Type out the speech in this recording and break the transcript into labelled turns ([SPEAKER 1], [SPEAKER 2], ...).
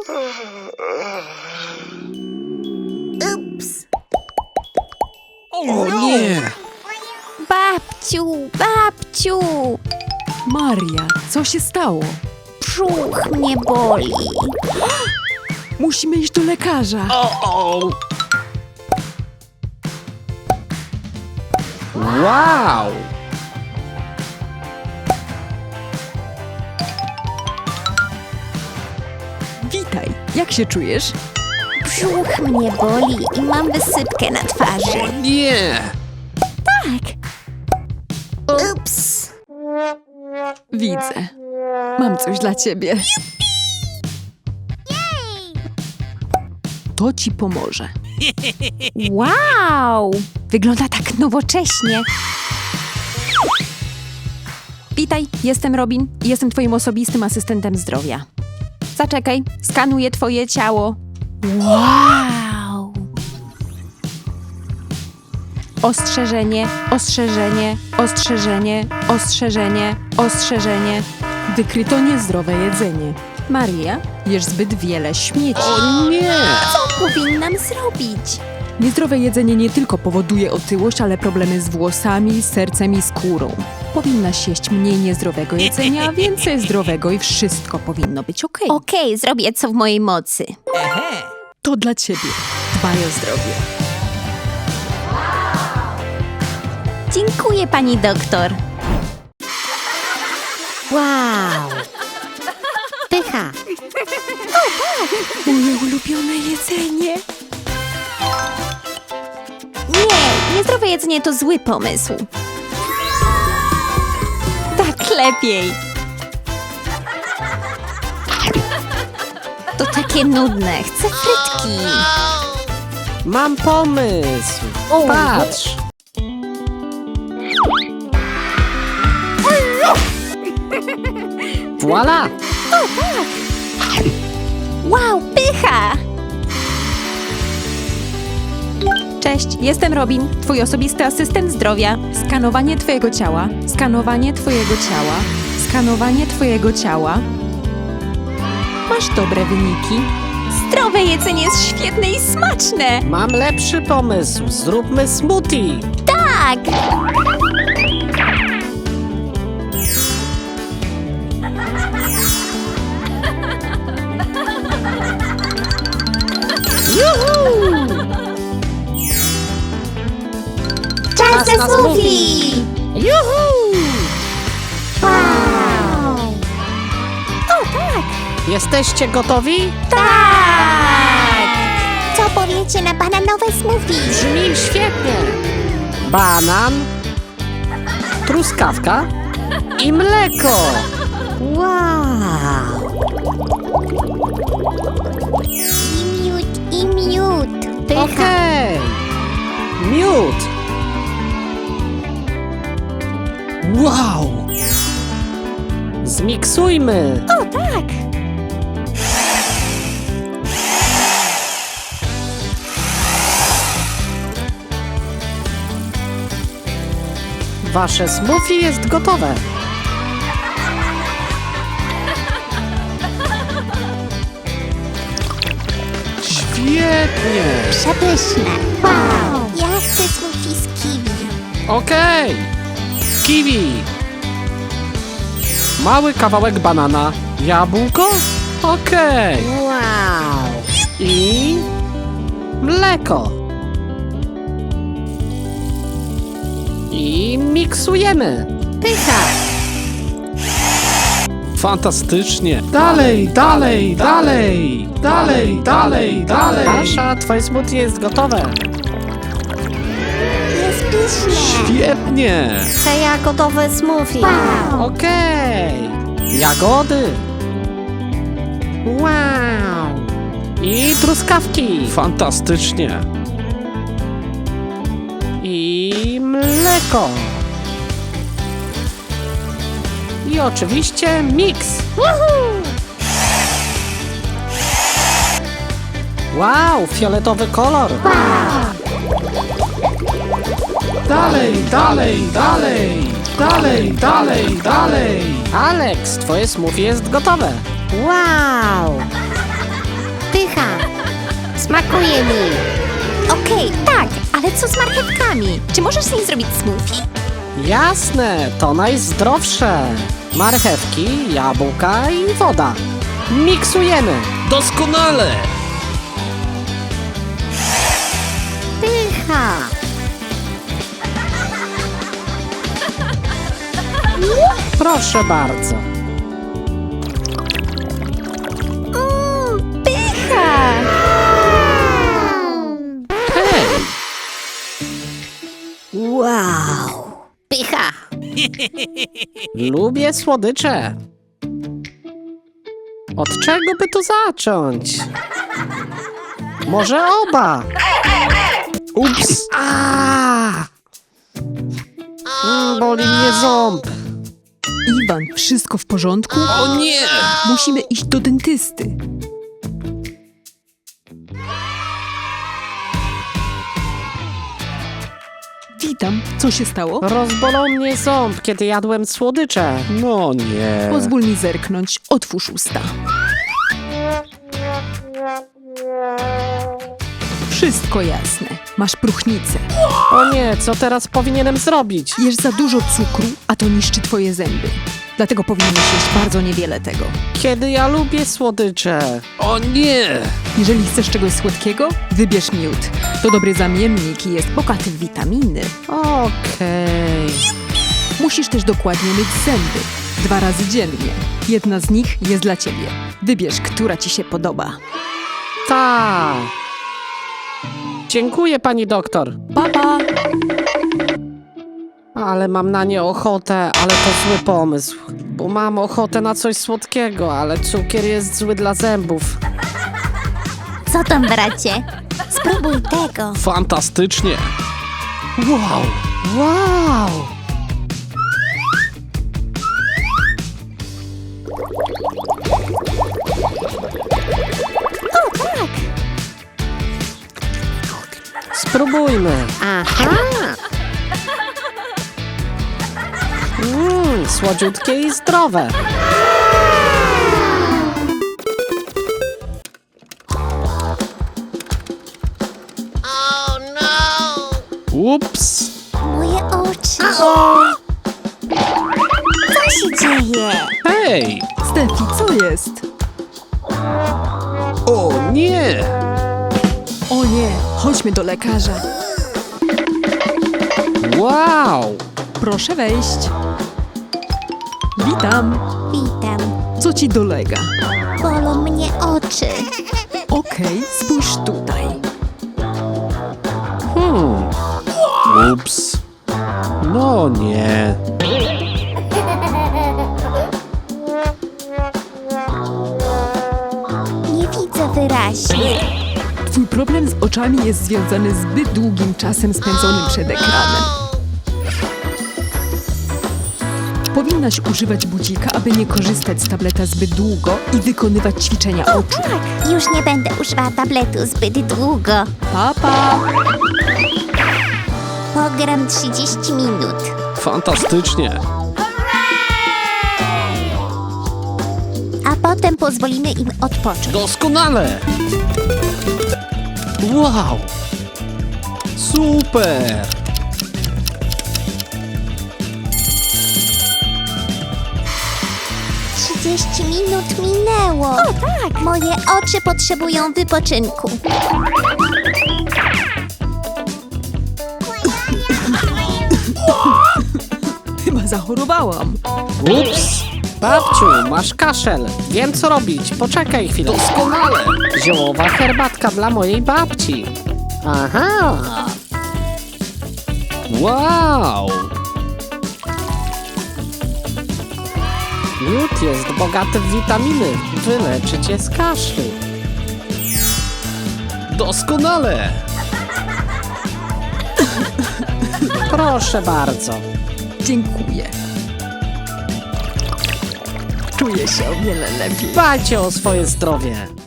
[SPEAKER 1] Ups.
[SPEAKER 2] O nie!
[SPEAKER 1] Babciu, babciu!
[SPEAKER 3] Maria, co się stało?
[SPEAKER 1] Brzuch mnie boli.
[SPEAKER 3] Musimy iść do lekarza.
[SPEAKER 2] Wow!
[SPEAKER 3] Witaj, jak się czujesz?
[SPEAKER 1] Brzuch mnie boli i mam wysypkę na twarzy.
[SPEAKER 2] Nie!
[SPEAKER 1] Tak. Ups.
[SPEAKER 3] Widzę. Mam coś dla ciebie. To ci pomoże.
[SPEAKER 1] Wow! Wygląda tak nowocześnie.
[SPEAKER 3] Witaj, jestem Robin i jestem twoim osobistym asystentem zdrowia. Zaczekaj, skanuję twoje ciało.
[SPEAKER 1] Wow!
[SPEAKER 3] Ostrzeżenie, ostrzeżenie, ostrzeżenie, ostrzeżenie, ostrzeżenie. Wykryto niezdrowe jedzenie. Maria, jesz zbyt wiele śmieci.
[SPEAKER 2] O nie!
[SPEAKER 1] Co powinnam zrobić?
[SPEAKER 3] Niezdrowe jedzenie nie tylko powoduje otyłość, ale problemy z włosami, sercem i skórą. Powinnaś jeść mniej niezdrowego jedzenia, a więcej zdrowego i wszystko powinno być okej.
[SPEAKER 1] Okej, zrobię co w mojej mocy.
[SPEAKER 3] To dla ciebie. Dbaj o zdrowie.
[SPEAKER 1] Dziękuję, pani doktor. Wow! Pycha.
[SPEAKER 3] Moje ulubione jedzenie.
[SPEAKER 1] Nie, niezdrowe jedzenie to zły pomysł. Tak lepiej. To takie nudne. Chcę frytki.
[SPEAKER 2] Mam pomysł! Patrz! Voila!
[SPEAKER 1] Wow, pycha!
[SPEAKER 3] Cześć, jestem Robin, twój osobisty asystent zdrowia. Skanowanie twojego ciała, skanowanie twojego ciała, skanowanie twojego ciała. Masz dobre wyniki.
[SPEAKER 1] Zdrowe jedzenie jest świetne i smaczne.
[SPEAKER 2] Mam lepszy pomysł! Zróbmy smoothie!
[SPEAKER 1] Tak! Czas na smoothie!
[SPEAKER 2] Juhu!
[SPEAKER 1] Wow! O, tak!
[SPEAKER 2] Jesteście gotowi?
[SPEAKER 1] Tak! Co powiecie na bananowe smoothie?
[SPEAKER 2] Brzmi świetnie! Banan, truskawka i mleko!
[SPEAKER 1] Wow! I miód. Pycha.
[SPEAKER 2] Okej! Miód! Wow! Zmiksujmy!
[SPEAKER 1] O, tak!
[SPEAKER 2] Wasze smoothie jest gotowe! Świetnie!
[SPEAKER 1] Przepyszne. Wow! Ja chcę smoothie z kiwi.
[SPEAKER 2] Okej! Kiwi! Mały kawałek banana. Jabłko? Okej!
[SPEAKER 1] Wow!
[SPEAKER 2] I mleko. I miksujemy.
[SPEAKER 1] Pycha.
[SPEAKER 2] Fantastycznie. Dalej, dalej, dalej. Dalej, dalej, dalej. Asza, twoje smoothie jest gotowe.
[SPEAKER 1] Jest pyszne.
[SPEAKER 2] Świetnie.
[SPEAKER 1] Chcę jagodowe smoothie. Wow!
[SPEAKER 2] Okej. Jagody. Wow. I truskawki. Fantastycznie. I mleko. I oczywiście miks. Wow, fioletowy kolor. Dalej, dalej, dalej. Dalej, dalej, dalej. Alex, twoje smoothie jest gotowe.
[SPEAKER 1] Wow! smakuje mi.
[SPEAKER 3] Okej, tak, ale co z marchewkami? Czy możesz z nich zrobić smoothie?
[SPEAKER 2] Jasne, to najzdrowsze. Marchewki, jabłka i woda. Miksujemy.
[SPEAKER 4] Doskonale!
[SPEAKER 1] Pycha.
[SPEAKER 2] Proszę bardzo.
[SPEAKER 1] Pycha.
[SPEAKER 2] Hej,
[SPEAKER 1] Wow. Pycha.
[SPEAKER 2] lubię słodycze. Od czego by tu zacząć? Może oba? Ups! Boli mnie ząb.
[SPEAKER 3] Iwan, wszystko w porządku?
[SPEAKER 4] O nie!
[SPEAKER 3] Musimy iść do dentysty. Witam, co się stało?
[SPEAKER 2] Rozbolał mnie ząb, kiedy jadłem słodycze. No nie.
[SPEAKER 3] Pozwól mi zerknąć, otwórz usta. Wszystko jasne, masz próchnicę.
[SPEAKER 2] O nie, co teraz powinienem zrobić?
[SPEAKER 3] Jesz za dużo cukru, a to niszczy twoje zęby. Dlatego powinieneś jeść bardzo niewiele tego.
[SPEAKER 2] Kiedy ja lubię słodycze.
[SPEAKER 4] O nie!
[SPEAKER 3] Jeżeli chcesz czegoś słodkiego, wybierz miód. To dobry zamiennik i jest bogaty w witaminy.
[SPEAKER 2] Okej.
[SPEAKER 3] Musisz też dokładnie myć zęby. 2 razy dziennie. Jedna z nich jest dla ciebie. Wybierz, która ci się podoba.
[SPEAKER 2] Tak. Dziękuję, pani doktor.
[SPEAKER 3] Pa!
[SPEAKER 2] Ale mam na nie ochotę, ale to zły pomysł. Bo mam ochotę na coś słodkiego, ale cukier jest zły dla zębów.
[SPEAKER 1] Co tam, bracie? Spróbuj tego.
[SPEAKER 4] Fantastycznie!
[SPEAKER 2] Wow! Wow! Spróbujmy.
[SPEAKER 1] Aha.
[SPEAKER 2] Słodziutkie i zdrowe.
[SPEAKER 4] Ups!
[SPEAKER 1] Moje oczy. Co się dzieje?
[SPEAKER 4] Hej!
[SPEAKER 3] Stefi, co jest?
[SPEAKER 4] O nie!
[SPEAKER 3] O nie, chodźmy do lekarza.
[SPEAKER 2] Wow!
[SPEAKER 3] Proszę wejść. Witam.
[SPEAKER 1] Witam.
[SPEAKER 3] Co ci dolega?
[SPEAKER 1] Bolą mnie oczy.
[SPEAKER 3] Okej, spójrz tutaj.
[SPEAKER 4] Ups!
[SPEAKER 2] No nie.
[SPEAKER 1] Nie widzę wyraźnie.
[SPEAKER 3] Twój problem z oczami jest związany z zbyt długim czasem spędzonym przed ekranem. Powinnaś używać budzika, aby nie korzystać z tableta zbyt długo i wykonywać ćwiczenia oczu.
[SPEAKER 1] Tak, już nie będę używała tabletu zbyt długo.
[SPEAKER 3] Pa!
[SPEAKER 1] Pogram 30 minut.
[SPEAKER 4] Fantastycznie!
[SPEAKER 1] A potem pozwolimy im odpocząć.
[SPEAKER 4] Doskonale! Wow! Super!
[SPEAKER 1] Trzydzieści minut minęło. O tak. Moje oczy potrzebują wypoczynku.
[SPEAKER 3] Chyba zachorowałam.
[SPEAKER 2] Ups! Babciu, masz kaszel. Wiem, co robić. Poczekaj chwilę.
[SPEAKER 4] Doskonale!
[SPEAKER 2] Ziołowa herbatka dla mojej babci. Aha!
[SPEAKER 4] Wow!
[SPEAKER 2] Miód jest bogaty w witaminy. Wyleczy cię z kaszlu.
[SPEAKER 4] Doskonale!
[SPEAKER 2] Proszę bardzo.
[SPEAKER 3] Dziękuję. Czuję się o wiele lepiej.
[SPEAKER 2] Dbajcie o swoje zdrowie.